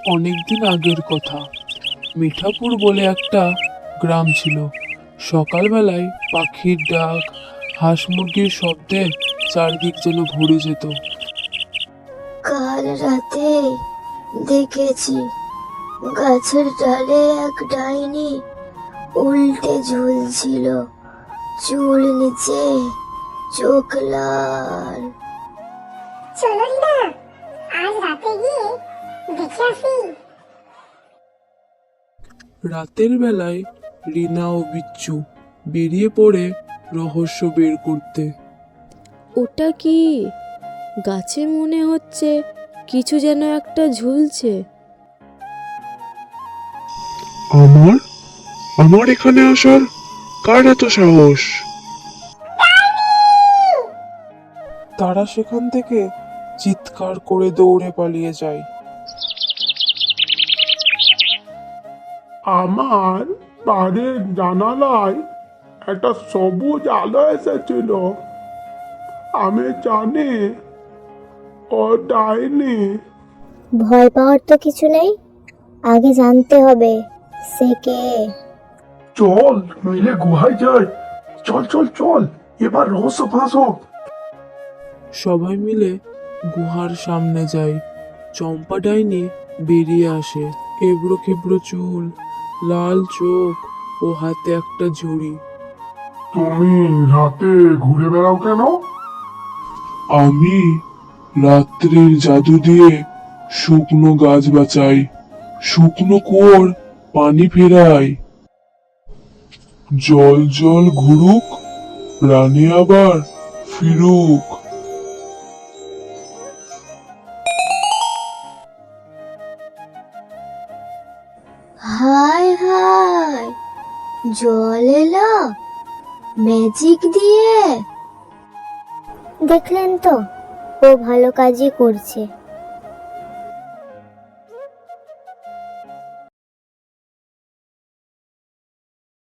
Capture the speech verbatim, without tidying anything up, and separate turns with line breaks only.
অনেকদিন আগের কথা। মিঠাপুর বলে একটা গ্রাম ছিল। সকালবেলায় পাখির ডাক, হাঁস মুরগির শব্দে চারদিক যেন ভরে যেত।
কাল রাতে দেখেছি গাছের ডালে এক ডাইনি উল্টে ঝুলছিল, চুল নিচে, চোখ লাল।
চলো রিনা, আজ রাতে গিয়ে দেখে আসি।
রাতের বেলায় রিনা ও বিচ্ছু বেরিয়ে পড়ে রহস্য বের করতে।
ওটা কি? গাছে মনে হচ্ছে কিছু যেন একটা ঝুলছে।
আমার আমার এখানে আসার কার এত সাহস?
তারা সেখান থেকে চিৎকার করে দৌড়ে পালিয়ে যায়।
আমার বাড়ির জানালায় একটা সবুজ আলো এসেছিল। আমি জানি ও ডাইনি।
ভয় পাওয়ার তো কিছু নেই, আগে জানতে হবে সে কে।
চল মিলে গুহায় যাই। চল চল চল, এবার রহস্য ফাঁস হোক।
সবাই মিলে গুহার সামনে যায়। চম্পা ডাইনি বেরিয়ে আসে, এবড়ো খেবড়ো চুল, লাল চোখ ও হাতে একটা ঝুড়ি।
তুমি রাতে ঘুরে বেড়াও কেন?
আমি রাত্রির জাদু দিয়ে শুকনো গাছ বাঁচাই, শুকনো কুয়োর পানি ফেরাই। জল জল ঘুরুক, প্রাণে আবার ফিরুক।
হায় হায়, জল এলো ম্যাজিক দিয়ে।
দেখলেন তো, ও ভালো কাজই করছে।